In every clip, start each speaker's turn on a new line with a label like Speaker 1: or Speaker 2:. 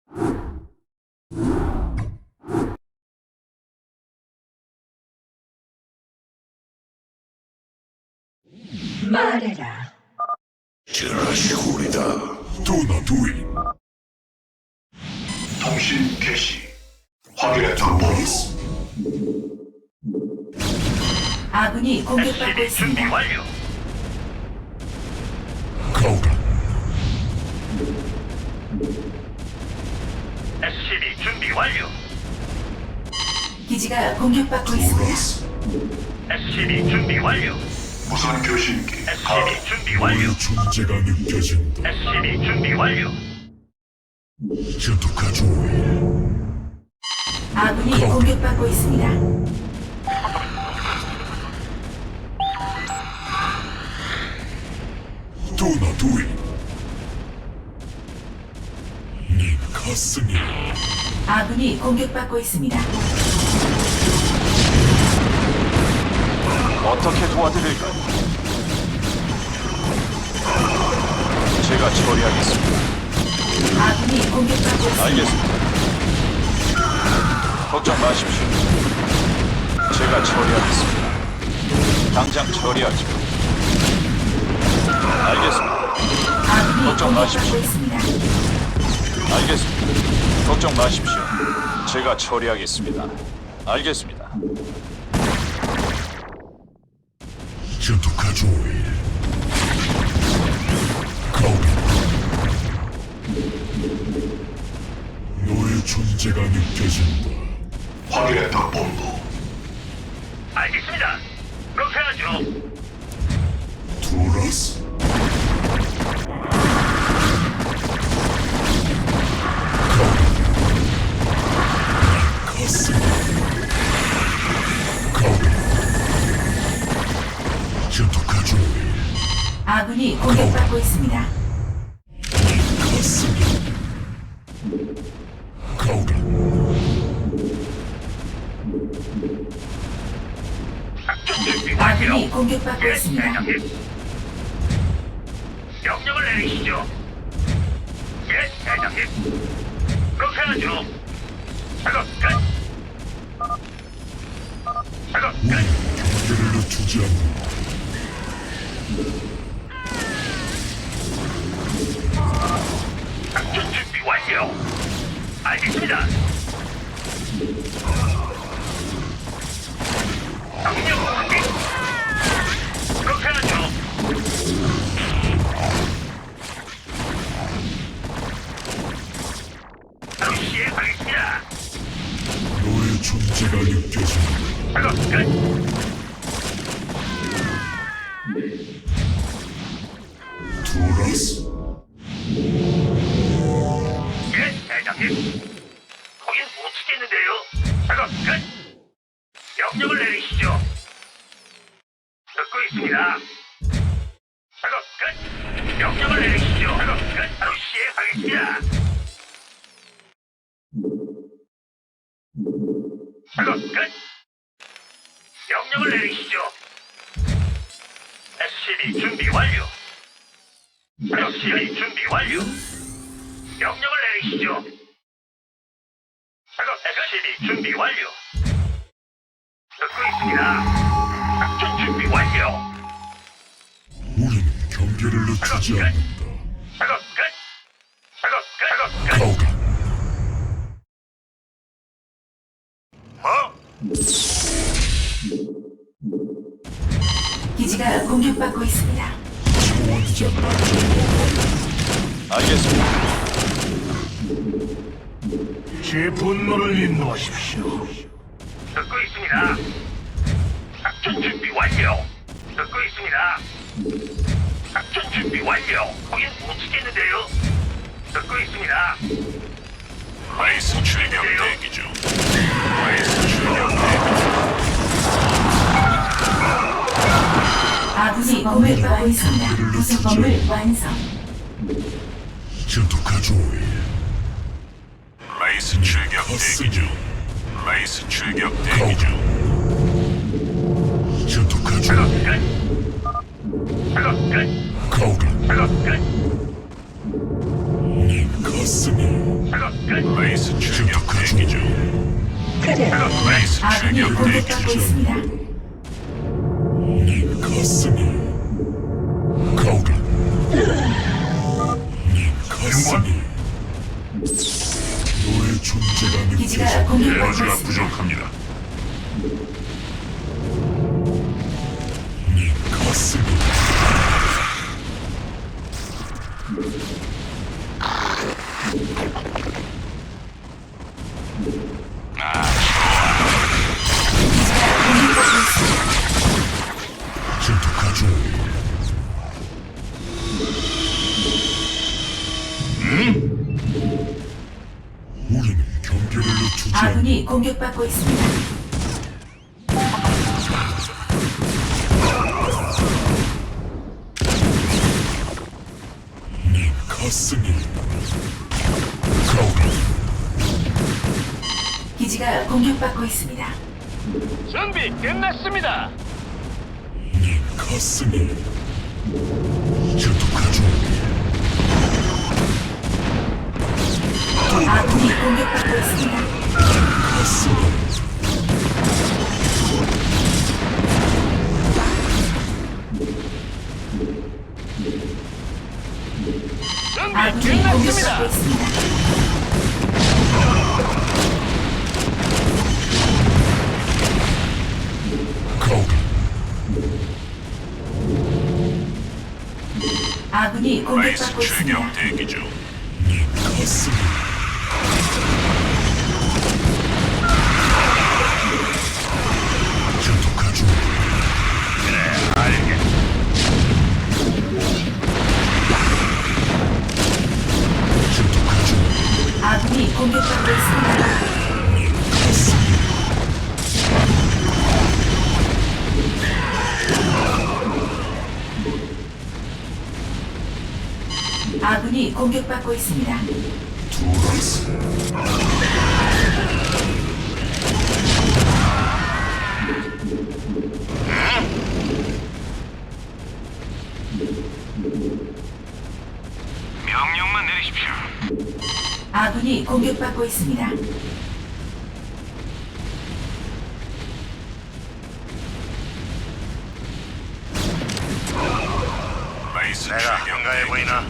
Speaker 1: 말해라.
Speaker 2: 지라시구리다. 도나두인.
Speaker 3: 통신 개시. 확인했다 본부.
Speaker 1: 아군이 공격받고
Speaker 4: SCB 준비
Speaker 1: 있습니다.
Speaker 4: 완료.
Speaker 2: 가오라.
Speaker 4: SCB 준비 완료.
Speaker 1: 기지가 공격받고 있습니다.
Speaker 2: 도라스.
Speaker 4: SCB 준비 완료.
Speaker 3: 무선 교신기.
Speaker 4: SCB 준비 완료.
Speaker 2: 너의 존재가 느껴진다.
Speaker 4: SCB 준비 완료.
Speaker 2: 전투카조.
Speaker 1: 아군이 공격받고 있습니다.
Speaker 2: 도나두인. 네 가슴이
Speaker 1: 아군이 공격받고 있습니다.
Speaker 5: 어떻게 도와드릴까요? 제가 처리하겠습니다.
Speaker 1: 아군이 공격받고 있습니다.
Speaker 5: 알겠습니다. 걱정 마십시오. 제가 처리하겠습니다. 당장 처리하죠. 알겠습니다.
Speaker 1: 아군이
Speaker 5: 걱정 마십시오.
Speaker 1: 공격받고 있습니다.
Speaker 5: 알겠습니다. 걱정 마십시오. 제가 처리하겠습니다. 알겠습니다.
Speaker 2: 전투카조. 가오라. 너의 존재가 느껴진다.
Speaker 3: 확인했다 본부.
Speaker 4: 알겠습니다. 그렇게 하죠.
Speaker 2: 도라스. 가슴. 가오라. 전투카조.
Speaker 1: 아군이 공격받고 있습니다.
Speaker 2: 가슴. 가오라.
Speaker 4: 작전 준비 완료.
Speaker 1: 아군이 공격받고
Speaker 4: 예,
Speaker 1: 있습니다.
Speaker 4: 대장님. 명령을 내리시죠. 예, 대장님. 그렇게 하죠. 작업 끝. 작업 끝.
Speaker 2: 경계를 늦추지 않는다.
Speaker 4: 작전 준비 완료. 알겠습니다. 명령 확인. 그렇게 하죠. 바로 시행하겠습니다.
Speaker 2: 너의 존재가 느껴진다.
Speaker 4: 작업 끝.
Speaker 2: 도라스.
Speaker 4: 예, 대장님. 거긴 못 치겠는데요. 작업 끝. 명령을 내리시죠. 듣고 있습니다. 작업 끝. 명령을 내리시죠. 작업 끝. 바로 시행하겠습니다. 작업 끝. 명령을 내리시죠. SCB 준비 완료. SCB 준비 완료. 명령을 내리시죠. 작업 SCB 준비 완료. 듣고 있습니다. 작전 준비 완료.
Speaker 2: 우리는 경계를 늦추지 않는다.
Speaker 4: 작업 끝. 작업 끝. 작업 끝.
Speaker 2: 가오라.
Speaker 1: 기지가 공격받고 있습니다.
Speaker 2: 지원자
Speaker 5: 알겠습니다.
Speaker 3: 제 분노를 인도하십시오.
Speaker 4: 듣고 있습니다. 작전 준비 완료. 듣고 있습니다. 작전 준비 완료. 거긴 못 치겠는데요. 듣고 있습니다.
Speaker 3: 라이스 출격 대기 중. 라이스 출격 대기
Speaker 1: 아군이 공격받고 있습니다. 구성범을 완성.
Speaker 2: 전투카조.
Speaker 3: 라이스 출격 대기 중. 라이스 출격 대기 중.
Speaker 2: 전투카조.
Speaker 4: 작업 끝. 작업 끝.
Speaker 2: 가오라.
Speaker 4: 작업 끝.
Speaker 2: 네 가슴. 가슴이
Speaker 4: 작업 끝.
Speaker 3: 레이스 출격 대기 중. 레이스
Speaker 1: 아군이
Speaker 3: 출격 대기
Speaker 1: 공격받고
Speaker 3: 중.
Speaker 1: 있습니다.
Speaker 2: 네 가슴이 가오라 네 가슴이 너의 존재가
Speaker 1: 기지가
Speaker 2: 느껴져
Speaker 1: 공격받고
Speaker 3: 에너지가
Speaker 1: 있습니다.
Speaker 3: 부족합니다.
Speaker 2: 네 가슴이
Speaker 1: 공격받고 있습니다.
Speaker 2: 전투가죠 우리는 경계를 늦추지 않는다
Speaker 1: 아군이 공격받고 있습니다.
Speaker 2: 네 가슴이 가오라
Speaker 1: 기지가 공격받고 있습니다.
Speaker 4: 준비 끝났습니다.
Speaker 2: 네 가슴이 전투가죠
Speaker 1: 아군이 공격받고 있습니다.
Speaker 2: 가슴이
Speaker 4: 준비
Speaker 1: 아군이
Speaker 4: 끝났습니다.
Speaker 1: 공격받고 있습니다.
Speaker 2: 가오라
Speaker 1: 아군이
Speaker 3: 레이스
Speaker 1: 공격받고
Speaker 3: 출격
Speaker 1: 있습니다.
Speaker 3: 대기 중.
Speaker 2: 네 가슴이 전투가죠 전투가죠
Speaker 1: 아군이 공격받고 있습니다.
Speaker 2: 네 가슴이
Speaker 1: 아군이 공격받고 있습니다.
Speaker 2: 두라스
Speaker 4: 명령만 내리십시오.
Speaker 1: 아군이 공격받고 있습니다.
Speaker 3: 레이스
Speaker 4: 내가
Speaker 3: 출격
Speaker 4: 한가해
Speaker 3: 대기
Speaker 4: 보이나?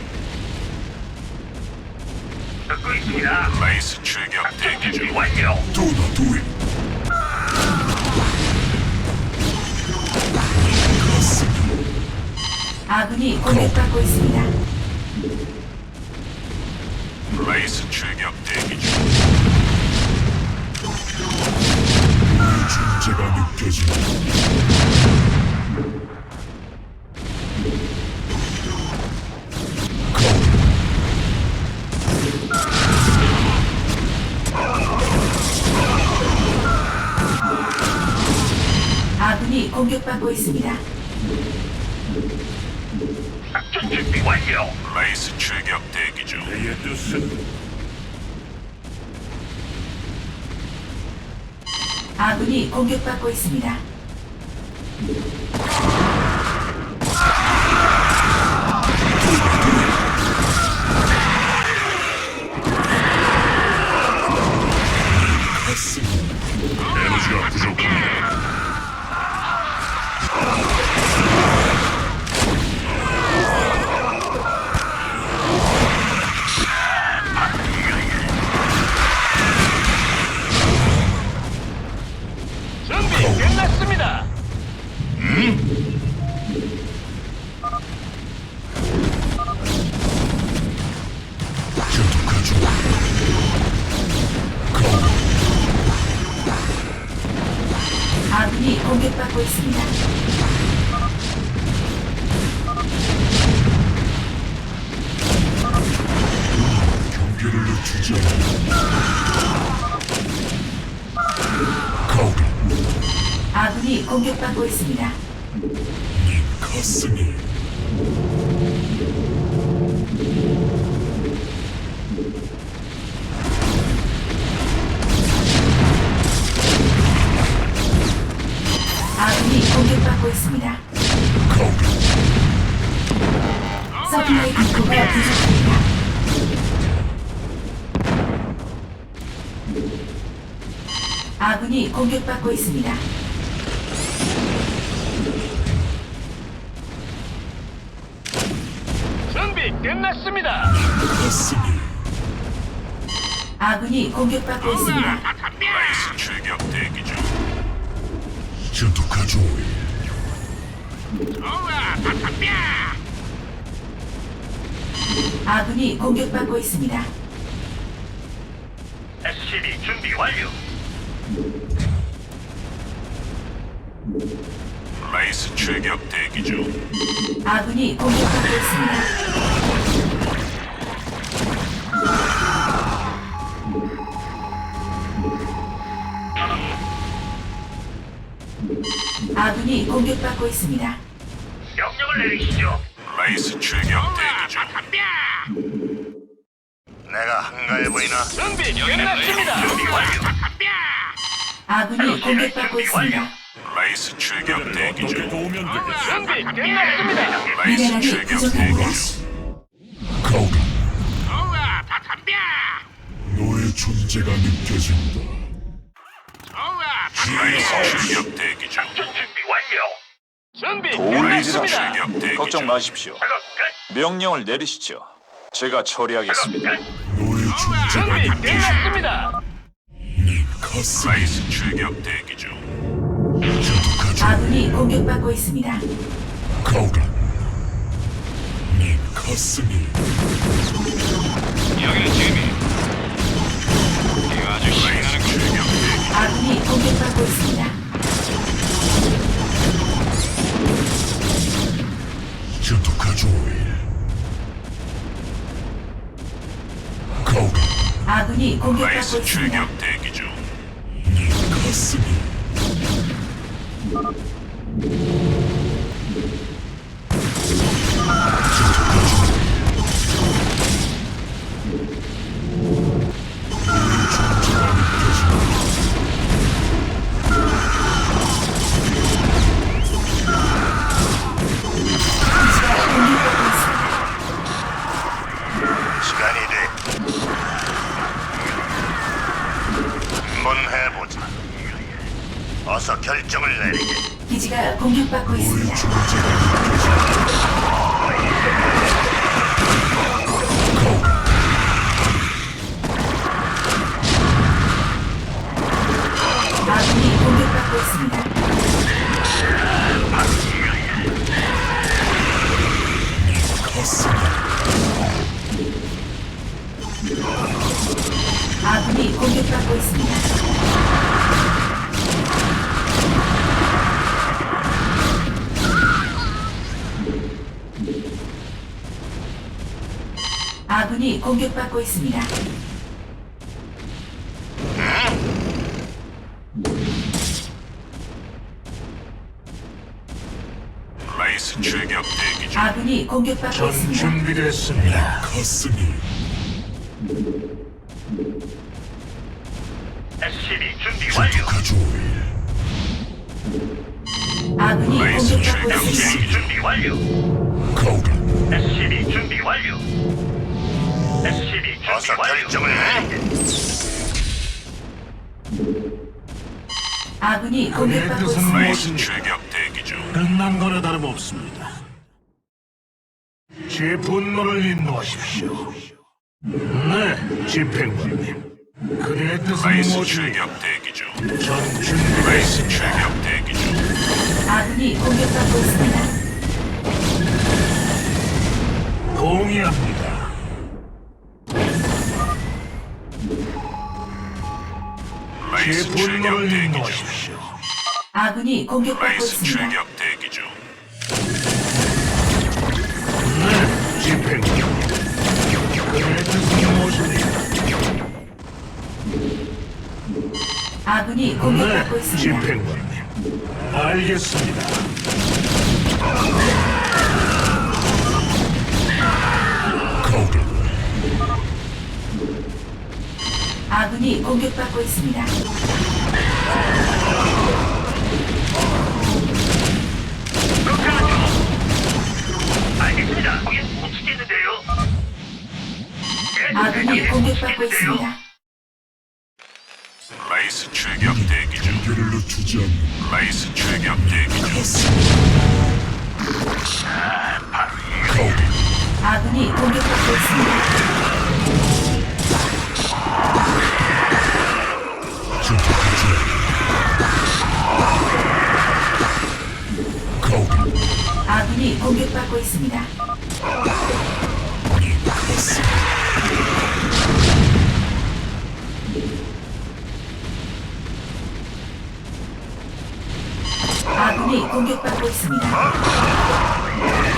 Speaker 4: 듣고 있습니다.
Speaker 3: 중. 레이스 출격 대기
Speaker 4: 준비
Speaker 3: 중.
Speaker 4: 완료.
Speaker 2: 도나 두이 가슴이
Speaker 1: 아군이 공격받고 있습니다.
Speaker 3: 레이스 출격 대기 중.
Speaker 2: 너의 존재가 느껴진다 가오라
Speaker 1: 아군이 공격받고 있습니다.
Speaker 4: 작전 준비 완료.
Speaker 3: 레이스 출격 대기 중.
Speaker 4: 내 뜻은
Speaker 1: 아군이 공격받고 있습니다.
Speaker 2: 가슴이
Speaker 3: 에너지가 부족합니다.
Speaker 4: 준비 끝났습니다.
Speaker 2: 전투가죠 가오라
Speaker 1: 아군이 공격받고 있습니다.
Speaker 2: 경계를 늦추지 않는다 가오라
Speaker 1: 아군이 공격받고 있습니다.
Speaker 2: 네 가슴이
Speaker 1: 아군이 공격받고 있습니다.
Speaker 2: 가오라
Speaker 1: 서플라이 디포가 부족합니다. 아군이 공격받고 있습니다.
Speaker 4: 준비 끝났습니다.
Speaker 2: 가슴이
Speaker 1: 아군이 공격받고 있습니다.
Speaker 3: 라이스 출격 대기 중.
Speaker 2: 전투가죠.
Speaker 1: 아군이 공격받고 있습니다.
Speaker 4: SCB 준비 완료.
Speaker 3: 라이스 출격 대기 중.
Speaker 1: 아군이 공격받고 있습니다. 아군이 공격받고 있습니다.
Speaker 4: 명령을 내리시죠.
Speaker 3: 라이스 출격 대기 중.
Speaker 4: 내가 한가해 보이나? 준비 끝났습니다. 준비 완료.
Speaker 1: 아군이 공격받고 있습니다.
Speaker 3: 라이스 출격 대기 중.
Speaker 4: 준비 끝났습니다.
Speaker 3: 라이스
Speaker 1: 미네랄이
Speaker 3: 출격 대기
Speaker 1: 부족합니다.
Speaker 3: 중.
Speaker 2: 가오리 너의 존재가 느껴진다.
Speaker 3: 라이스 출격 대기 중.
Speaker 4: 준비 완료. 준비
Speaker 5: 도울 일이라
Speaker 4: 끝났습니다.
Speaker 3: 출격 대기
Speaker 5: 걱정
Speaker 3: 중.
Speaker 5: 마십시오.
Speaker 4: 작업 끝.
Speaker 5: 명령을 내리시죠. 제가 처리하겠습니다.
Speaker 2: 너의 존재가
Speaker 4: 준비
Speaker 2: 느껴진다.
Speaker 4: 끝났습니다.
Speaker 2: 네 가슴이
Speaker 3: 라이스 출격 대기 중.
Speaker 2: 전투가죠.
Speaker 1: 아군이 공격받고 있습니다.
Speaker 2: 가오리 네 가슴이
Speaker 4: 여기는 지미. 이거 아주 신나는 거.
Speaker 1: 아군이 공격받고 있습니다.
Speaker 2: 전투가죠. 가오리
Speaker 1: 아군이 공격받고
Speaker 3: 라이스
Speaker 1: 있습니다.
Speaker 3: 출격 대기 중.
Speaker 2: 네 가슴이
Speaker 4: 시간이 돼. 한번 해보자. 어서 결정을 내리게.
Speaker 1: 기지가 공격받고
Speaker 2: 너의
Speaker 1: 있습니다.
Speaker 2: 존재가
Speaker 1: 아군이 공격받고 있습니다.
Speaker 2: 가슴이
Speaker 1: 아군이 공격받고 있습니다. 아군이 공격받고 있습니다.
Speaker 3: 라이스 출격 대기 중.
Speaker 1: 아군이 공격받고 있습니다.
Speaker 2: 준비됐습니다. 가슴이
Speaker 4: SCB 준비 완료.
Speaker 2: 전투가죠.
Speaker 1: 아군이
Speaker 3: 라이스
Speaker 1: 공격받고
Speaker 3: 출격
Speaker 1: 있습니다.
Speaker 3: 대기 중.
Speaker 4: 준비 완료.
Speaker 2: 가오리
Speaker 4: SCB 준비 완료. SCB 준비 어서 결정을 내리게.
Speaker 1: 아군이 공격받고 있습니다.
Speaker 3: 라이스 출격 대기 중.
Speaker 6: 끝난 거나 다름없습니다. 제 분노를 인도하십시오. 네, 집행관님. 그의 뜻은
Speaker 3: 라이스
Speaker 6: 뭐지?
Speaker 3: 출격 대기 중.
Speaker 6: 전 준비가
Speaker 3: 라이스
Speaker 6: 있습니다.
Speaker 3: 출격 대기 중.
Speaker 1: 아군이 공격받고 있습니다.
Speaker 6: 동의합니다. 제
Speaker 3: 라이스 출격
Speaker 6: 분노를
Speaker 3: 대기 중.
Speaker 6: 인도하십시오.
Speaker 1: 아군이 공격받고
Speaker 3: 라이스
Speaker 1: 있습니다.
Speaker 3: 출격 대기 중.
Speaker 6: 네, 집행관님. 그의 뜻은 무엇입니까?
Speaker 1: 아군이 공격받고
Speaker 6: 네,
Speaker 1: 있습니다.
Speaker 6: 집행관님. 알겠습니다.
Speaker 2: 가오리
Speaker 1: 아군이 공격받고 있습니다.
Speaker 4: 알겠습니다. 거긴 못 치겠는데요.
Speaker 1: 아군이 공격받고 있습니다.
Speaker 3: 레이스 출격 대기 중.
Speaker 2: 경계를 늦추지 않는
Speaker 3: 레이스 출격 대기 중.
Speaker 2: 가오리.
Speaker 1: 아군이 공격받고 있습니다.
Speaker 2: 전투 중. 가오리.
Speaker 1: 아군이 공격받고 있습니다. 아군이 공격받고 있습니다.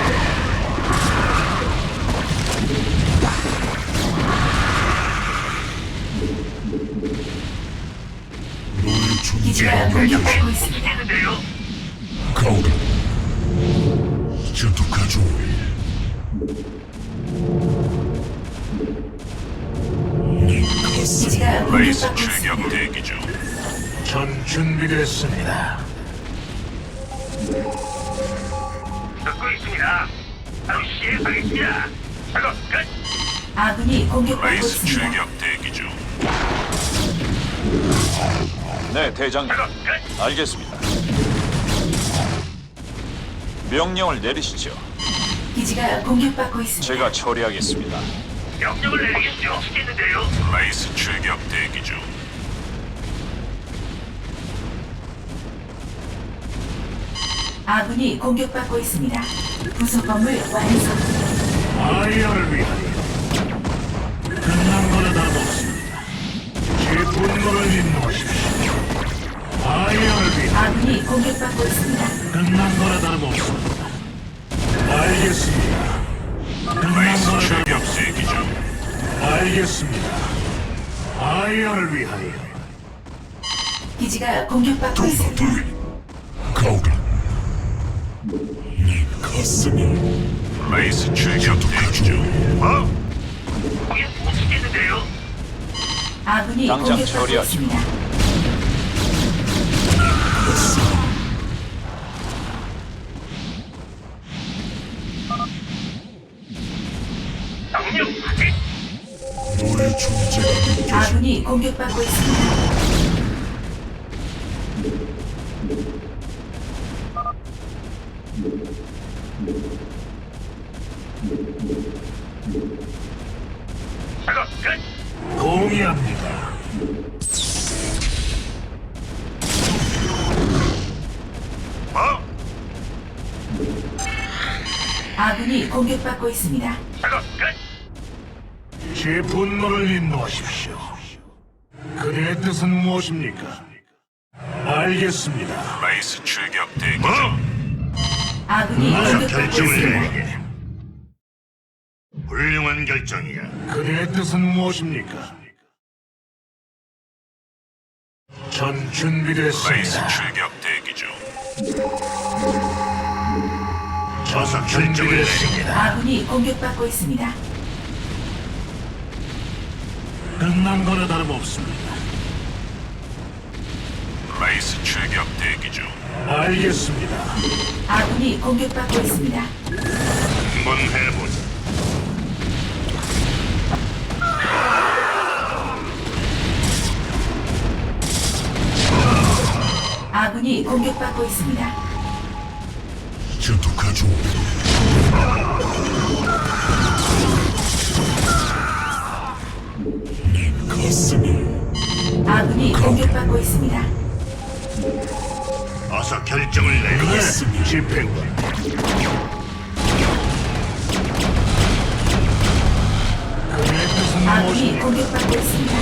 Speaker 2: 너의
Speaker 1: 기지가
Speaker 2: 존재가
Speaker 1: 공격받고 있습니다.
Speaker 4: 있는데요.
Speaker 2: 가오리. 전투가죠. 네 가슴.
Speaker 1: 기지가
Speaker 3: 레이스
Speaker 1: 공격받고
Speaker 3: 출격
Speaker 1: 있습니다.
Speaker 3: 대기 중.
Speaker 6: 전 준비됐습니다.
Speaker 4: 듣고 있습니다. 바로 시행하겠습니다. 작업 끝.
Speaker 1: 아군이 공격받고
Speaker 3: 레이스
Speaker 1: 있습니다.
Speaker 3: 출격 대기 중.
Speaker 5: 네, 대장님.
Speaker 4: 작업 끝.
Speaker 5: 알겠습니다. 명령을 내리시죠.
Speaker 1: 기지가 공격받고 있습니다.
Speaker 5: 제가 처리하겠습니다.
Speaker 4: 명령을 내리겠죠. 시겠는데요.
Speaker 3: 레이스 출격 대기 중.
Speaker 1: 아군이 공격받고 있습니다. 부속 건물 완성.
Speaker 6: 아이언을 위하여 끝난 거나 다름없습니다. 제 분노를 인도하십시오. 아이언을 위하여
Speaker 1: 아군이 공격받고 있습니다.
Speaker 6: 끝난 거나 다름없습니다. 알겠습니다. 끝난
Speaker 3: 레이스
Speaker 6: 거나
Speaker 3: 출격
Speaker 6: 다름없습니다.
Speaker 3: 대기 중.
Speaker 6: 알겠습니다. 아이언을 위하여
Speaker 1: 기지가 공격받고 있습니다.
Speaker 2: 도마들. 가오리. 네 가슴이.
Speaker 3: 레이스 출격 대기 중.
Speaker 4: 뭐? 거긴 못 치겠는데요.
Speaker 1: 아군이
Speaker 5: 당장
Speaker 1: 공격받고
Speaker 5: 처리하죠.
Speaker 1: 있습니다.
Speaker 4: 명령 확인.
Speaker 2: 너의 존재가 느껴져.
Speaker 1: 아군이 공격받고 있습니다.
Speaker 4: 작업 끝.
Speaker 6: 동의합니다.
Speaker 4: 뭐?
Speaker 1: 아군이 공격받고 있습니다.
Speaker 4: 작업 끝.
Speaker 6: 제 분노를 인도하십시오. 그대의 뜻은 무엇입니까? 알겠습니다.
Speaker 3: 레이스 출격 대기
Speaker 4: 뭐?
Speaker 3: 중.
Speaker 1: 아군이 공격받고 있습니다.
Speaker 4: 훌륭한 결정이야.
Speaker 6: 그대의 뜻은 무엇입니까? 전
Speaker 3: 레이스
Speaker 6: 준비됐습니다.
Speaker 3: 출격 대기 중.
Speaker 6: 어서 준비됐습니다.
Speaker 1: 아군이 공격받고 있습니다.
Speaker 6: 끝난 거나 다름없습니다.
Speaker 3: 레이스 출격 대기 중.
Speaker 6: 알겠습니다.
Speaker 1: 아군이 공격받고 있습니다.
Speaker 4: 한번 해보자.
Speaker 1: 아군이 공격받고 있습니다.
Speaker 2: 전투가죠. 네 가슴이.
Speaker 1: 아군이 공격받고 있습니다.
Speaker 4: 어서 결정을 내리게.
Speaker 6: 네, 집행관. 그대의 뜻은
Speaker 1: 아군이
Speaker 6: 무엇입니까?
Speaker 1: 공격받고 있습니다.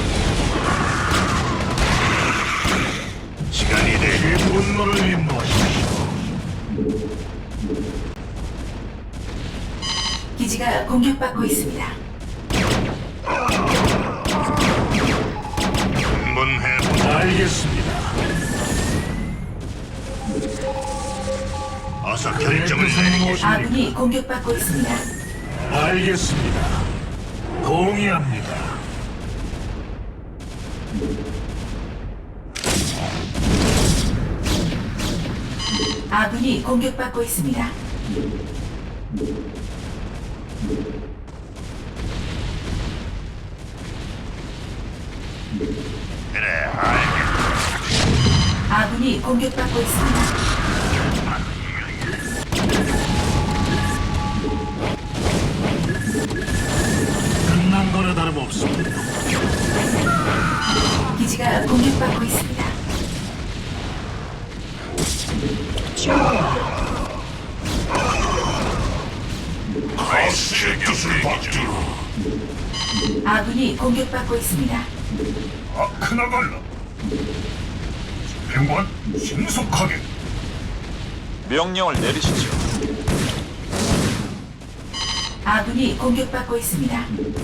Speaker 4: 시간이 돼.
Speaker 6: 제 분노를 인도하십시오.
Speaker 1: 기지가 공격받고 있습니다.
Speaker 4: 한번 해보자.
Speaker 6: 알겠습니다.
Speaker 4: 어서
Speaker 6: 그대의
Speaker 4: 결정을
Speaker 6: 뜻은
Speaker 4: 내리게.
Speaker 6: 무엇입니까?
Speaker 1: 아군이 공격받고 있습니다.
Speaker 6: 알겠습니다. 동의합니다.
Speaker 1: 아군이 공격받고 있습니다.
Speaker 4: 그래, 알겠다.
Speaker 1: 아군이 공격받고 있습니다.
Speaker 6: 끝난 거나 다름없습니다.
Speaker 1: 기지가 공격받고 있습니다.
Speaker 3: 라이스
Speaker 2: 뜻을
Speaker 3: 출격 대기 중.
Speaker 2: 받들어.
Speaker 1: 아군이 공격받고 있습니다.
Speaker 6: 아크나갈라. 행관 신속하게.
Speaker 5: 명령을 내리시죠.
Speaker 1: 아군이 공격받고 있습니다.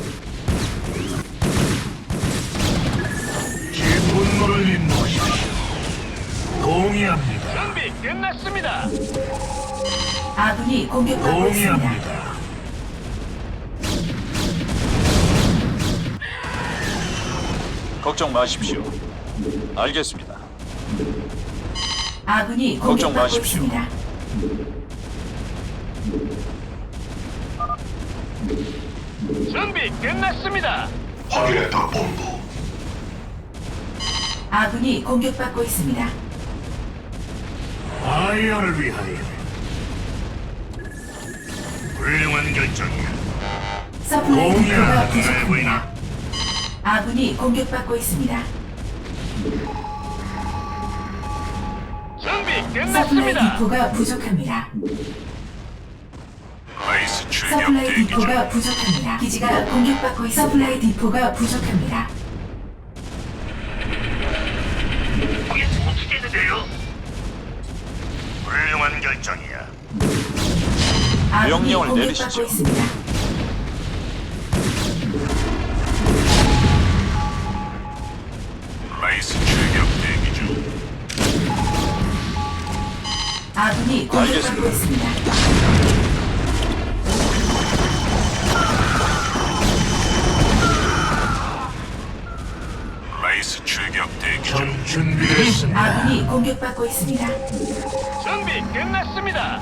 Speaker 6: 제 분노를 인도하십시오. 동의합니다.
Speaker 4: 준비 끝났습니다.
Speaker 1: 아군이 공격받고 있습니다.
Speaker 6: 동의합니다.
Speaker 5: 걱정 마십시오. 알겠습니다.
Speaker 1: 아군이
Speaker 5: 걱정
Speaker 1: 공격받고
Speaker 5: 마십시오.
Speaker 1: 있습니다.
Speaker 4: 준비 끝났습니다.
Speaker 2: 확인했다 본부.
Speaker 1: 아군이 공격받고 있습니다.
Speaker 6: 아이언을 위하여. 훌륭한 결정이야.
Speaker 1: 서플라이 디포가
Speaker 6: 동의합니다.
Speaker 1: 부족합니다. 아군이 공격받고 있습니다.
Speaker 4: 준비
Speaker 1: 서플라이
Speaker 4: 끝났습니다.
Speaker 1: 디포가 부족합니다.
Speaker 3: 라이스 출격
Speaker 1: 서플라이
Speaker 3: 대기 중.
Speaker 1: 디포가 부족합니다. 기지가 공격받고 있습니다. 서플라이 디포가 부족합니다.
Speaker 4: 거기 못 치겠는데요? 훌륭한 결정이야.
Speaker 1: 아군이
Speaker 5: 명령을
Speaker 1: 공격받고
Speaker 5: 내리시죠.
Speaker 1: 있습니다.
Speaker 3: 라이스 출격 대기 중.
Speaker 1: 아군이 공격받고
Speaker 5: 알겠습니다.
Speaker 1: 있습니다.
Speaker 3: 라이스 출격 대기 중.
Speaker 6: 전 준비됐습니다.
Speaker 1: 아군이 공격받고 있습니다.
Speaker 4: 준비 끝났습니다.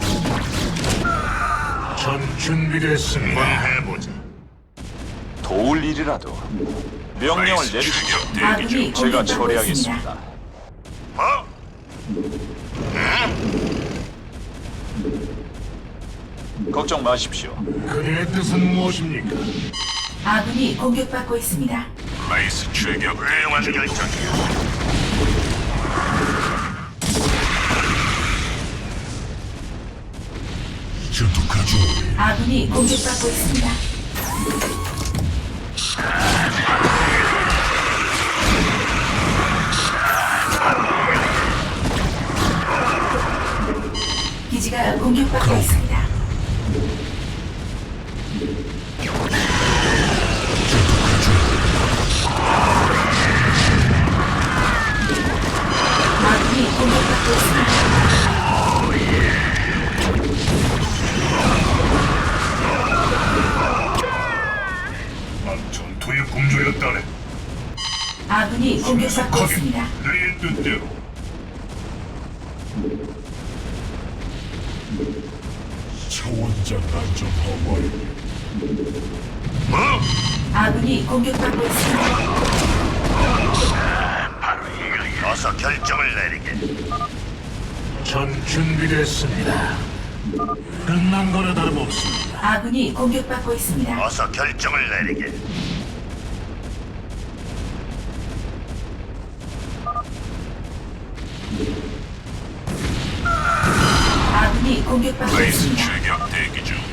Speaker 6: 전 준비됐습니다.
Speaker 4: 해보자.
Speaker 5: 도울 일이라도 명령을
Speaker 3: 라이스
Speaker 5: 내리시죠.
Speaker 3: 출격 대기
Speaker 1: 아군이
Speaker 3: 중.
Speaker 5: 제가
Speaker 1: 공격받고 있습니다.
Speaker 5: 처리하겠습니다.
Speaker 4: 뭐?
Speaker 5: 걱정 마십시오.
Speaker 6: 그의 뜻은 무엇입니까?
Speaker 1: 아군이 공격받고 있습니다.
Speaker 3: 라이스 출격
Speaker 4: 훌륭한
Speaker 3: 대기 중.
Speaker 4: 결정이야.
Speaker 2: 전투가죠.
Speaker 1: 아군이 공격받고 있습니다. 기지가 공격받고 있습니다. 아군이 공격받고 있습니다.
Speaker 6: 전투의 공조였다네.
Speaker 1: 아군이 공격받고 있습니다.
Speaker 6: 그의 뜻대로.
Speaker 2: 차원장 안전 하와이.
Speaker 1: 아군이 공격받고 있습니다.
Speaker 4: 어서 결정을 내리게.
Speaker 6: 전 준비됐습니다. 끝난 거나 다름없습니다.
Speaker 1: 아군이 공격받고 있습니다.
Speaker 4: 어서 결정을 내리게.
Speaker 1: 아군이 공격받고
Speaker 3: 라이스
Speaker 1: 있습니다.
Speaker 3: 출격 대기 중.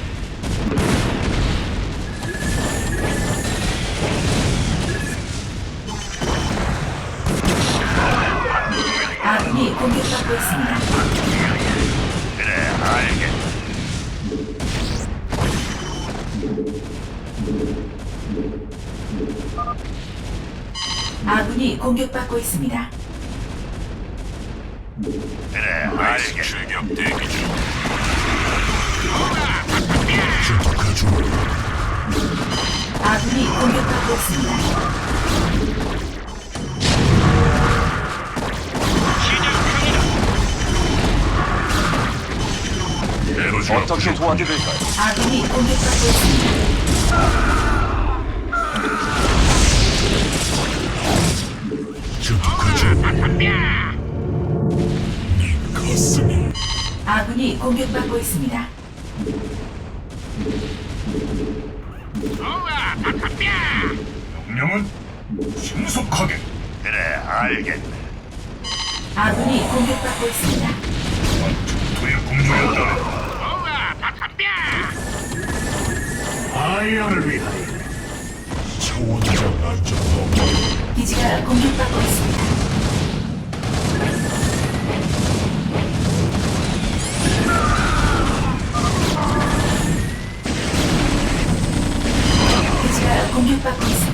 Speaker 1: 아군이 공격받고 있습니다.
Speaker 4: 그래, 알겠.
Speaker 1: 아군이 공격받고 있습니다.
Speaker 4: 그래,
Speaker 3: 라이스
Speaker 4: 알겠.
Speaker 3: 출격 대기 중.
Speaker 2: 전투가죠.
Speaker 1: 아군이 공격받고 있습니다.
Speaker 5: 어떻게 도와드릴까요?
Speaker 1: 아군이 공격받고 있습니다.
Speaker 2: 전투가죠.
Speaker 1: 공격받고 있습니다.
Speaker 6: 명령은 신속하게.
Speaker 4: 그래, 알겠네.
Speaker 1: 아군이 공격받고 있습니다.
Speaker 6: 전투의 공주였다네. 아이언을 위하여.
Speaker 2: 차원장 안전 허월.
Speaker 1: 기지가 공격받고 있습니다. 기지가 공격받고 있습니다.